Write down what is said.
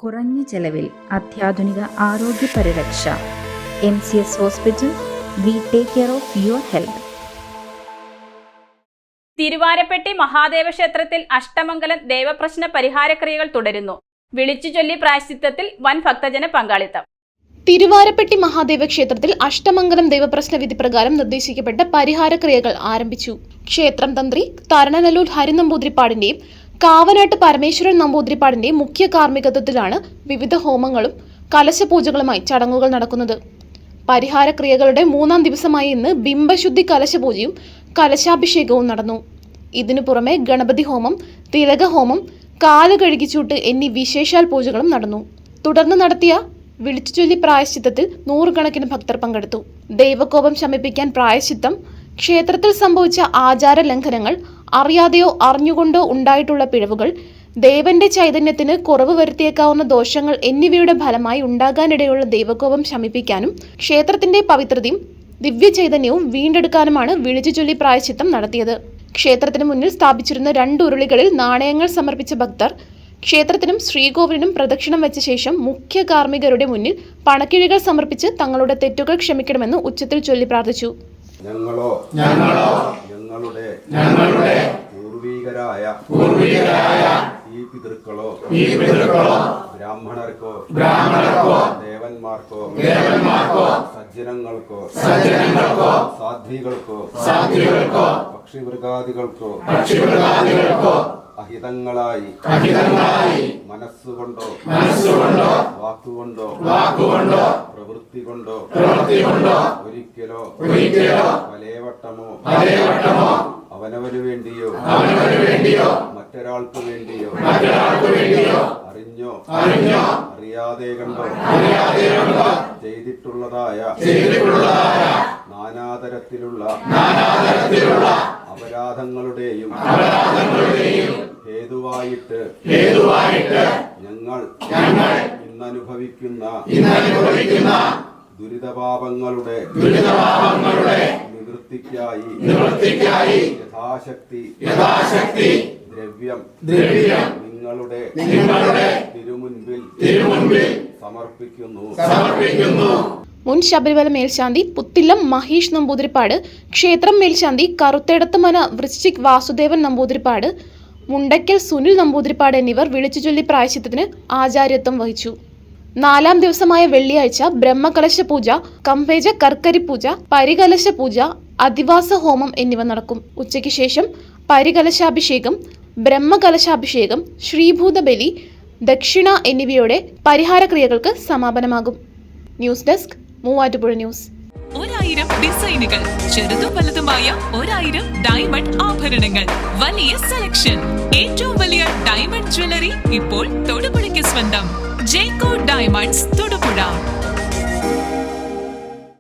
കുറഞ്ഞ ചെലവിൽ അത്യാധുനിക ആരോഗ്യ പരിരക്ഷ. MCS hospital. We take care of your health. Thiruvarappetti Mahadeva ക്ഷേത്രത്തിൽ അഷ്ടമംഗലം ദേവപ്രശ്ന പരിഹാരക്രിയകൾ തുടരുന്നു. വിളിച്ചുചൊല്ലി പ്രായശ്ചിത്തത്തിൽ വൻ ഭക്തജന പങ്കാളിത്തം. തിരുവാരപ്പെട്ടി മഹാദേവ ക്ഷേത്രത്തിൽ അഷ്ടമംഗലം ദേവപ്രശ്ന വിധി പ്രകാരം നിർദ്ദേശിക്കപ്പെട്ട പരിഹാരക്രിയകൾ ആരംഭിച്ചു. ക്ഷേത്രം തന്ത്രി തരണനല്ലൂർ ഹരിനമ്പൂതിരിപ്പാടിന്റെയും കാവനാട്ട് പരമേശ്വരൻ നമ്പൂതിരിപ്പാടിന്റെയും മുഖ്യ കാർമ്മികത്വത്തിലാണ് വിവിധ ഹോമങ്ങളും കലശപൂജകളുമായി ചടങ്ങുകൾ നടക്കുന്നത്. പരിഹാരക്രിയകളുടെ 3-ാം ദിവസമായ ഇന്ന് ബിംബശുദ്ധി കലശപൂജയും കലശാഭിഷേകവും നടന്നു. ഇതിനു പുറമെ ഗണപതി ഹോമം, തിലകഹോമം, കാല് കഴുകിച്ചൂട്ട് എന്നീ വിശേഷാൽ പൂജകളും നടന്നു. തുടർന്ന് നടത്തിയ വിളിച്ചുചൊല്ലി പ്രായശ്ചിത്തത്തിൽ 100 കണക്കിന് ഭക്തർ പങ്കെടുത്തു. ദൈവകോപം ശമിപ്പിക്കാൻ പ്രായശ്ചിത്തം, ക്ഷേത്രത്തിൽ സംഭവിച്ച ആചാര ലംഘനങ്ങൾ, അറിയാതെയോ അറിഞ്ഞുകൊണ്ടോ ഉണ്ടായിട്ടുള്ള പിഴവുകൾ, ദേവന്റെ ചൈതന്യത്തിന് കുറവ് വരുത്തിയേക്കാവുന്ന ദോഷങ്ങൾ എന്നിവയുടെ ഫലമായി ഉണ്ടാകാനിടയുള്ള ദൈവകോപം ശമിപ്പിക്കാനും ക്ഷേത്രത്തിന്റെ പവിത്രതയും ദിവ്യ ചൈതന്യവും വീണ്ടെടുക്കാനുമാണ് വിളിച്ചുചൊല്ലി പ്രായശ്ചിത്തം നടത്തിയത്. ക്ഷേത്രത്തിന് മുന്നിൽ സ്ഥാപിച്ചിരുന്ന 2 ഉരുളികളിൽ നാണയങ്ങൾ സമർപ്പിച്ച ഭക്തർ ക്ഷേത്രത്തിനും ശ്രീകോവിലിനും പ്രദക്ഷിണം വെച്ച ശേഷം മുഖ്യ കാർമ്മികരുടെ മുന്നിൽ പണക്കിഴികൾ സമർപ്പിച്ച് തങ്ങളുടെ തെറ്റുകൾ ക്ഷമിക്കണമെന്ന് ഉച്ചത്തിൽ ചൊല്ലി പ്രാർത്ഥിച്ചു. ഞങ്ങളുടെ പൂർവീകരായ ഈ പിതൃക്കളോ ബ്രാഹ്മണർക്കോ ദേവന്മാർക്കോ സജ്ജനങ്ങൾക്കോ സാധ്വികൾക്കോ പക്ഷിമൃഗാദികൾക്കോ അഹിതങ്ങളായി മനസ്സുകൊണ്ടോ വാക്കുകൊണ്ടോ പ്രവൃത്തി കൊണ്ടോ ഒരിക്കലോ പലവട്ടമോ അവനവന് വേണ്ടിയോ മറ്റൊരാൾക്ക് വേണ്ടിയോ അറിഞ്ഞോ അറിയാതെ കണ്ടോ ചെയ്തിട്ടുള്ളതായ നാനാതരത്തിലുള്ള അപരാധങ്ങളുടെയും ഹേതുവായിട്ട് ഞങ്ങൾ ഇന്നനുഭവിക്കുന്ന ദുരിതപാപങ്ങളുടെ നിവൃത്തിക്കായി യഥാശക്തി ദ്രവ്യം നിങ്ങളുടെ തിരുമുൻപിൽ സമർപ്പിക്കുന്നു. മുൻ ശബരിമല മേൽശാന്തി പുത്തില്ലം മഹേഷ് നമ്പൂതിരിപ്പാട്, ക്ഷേത്രം മേൽശാന്തി കറുത്തേടത്തുമന വൃശ്ചിക് വാസുദേവൻ നമ്പൂതിരിപ്പാട്, മുണ്ടയ്ക്കൽ സുനിൽ നമ്പൂതിരിപ്പാട് എന്നിവർ വിളിച്ചുചൊല്ലി പ്രായശ്ചിത്തത്തിന് ആചാര്യത്വം വഹിച്ചു. 4-ാം ദിവസമായ വെള്ളിയാഴ്ച ബ്രഹ്മകലശ പൂജ, കമ്പേജ കർക്കരി പൂജ, പരികലശ പൂജ, അധിവാസ ഹോമം എന്നിവ നടക്കും. ഉച്ചയ്ക്ക് ശേഷം പരികലശാഭിഷേകം, ബ്രഹ്മകലശാഭിഷേകം, ശ്രീഭൂതബലി, ദക്ഷിണ എന്നിവയോടെ പരിഹാരക്രിയകൾക്ക് സമാപനമാകും. News desk, Muvattupuzha news. 1000 ഡിസൈനുകൾ, ചെറുതും വലുതുമായ 1000 ഡയമണ്ട് ആഭരണങ്ങൾ, വലിയ സെലക്ഷൻ, ഏറ്റവും വലിയ ഡയമണ്ട് ജ്വല്ലറി ഇപ്പോൾ തൊടുപുഴയ്ക്ക് സ്വന്തം. Jecko diamonds Thodupuzha.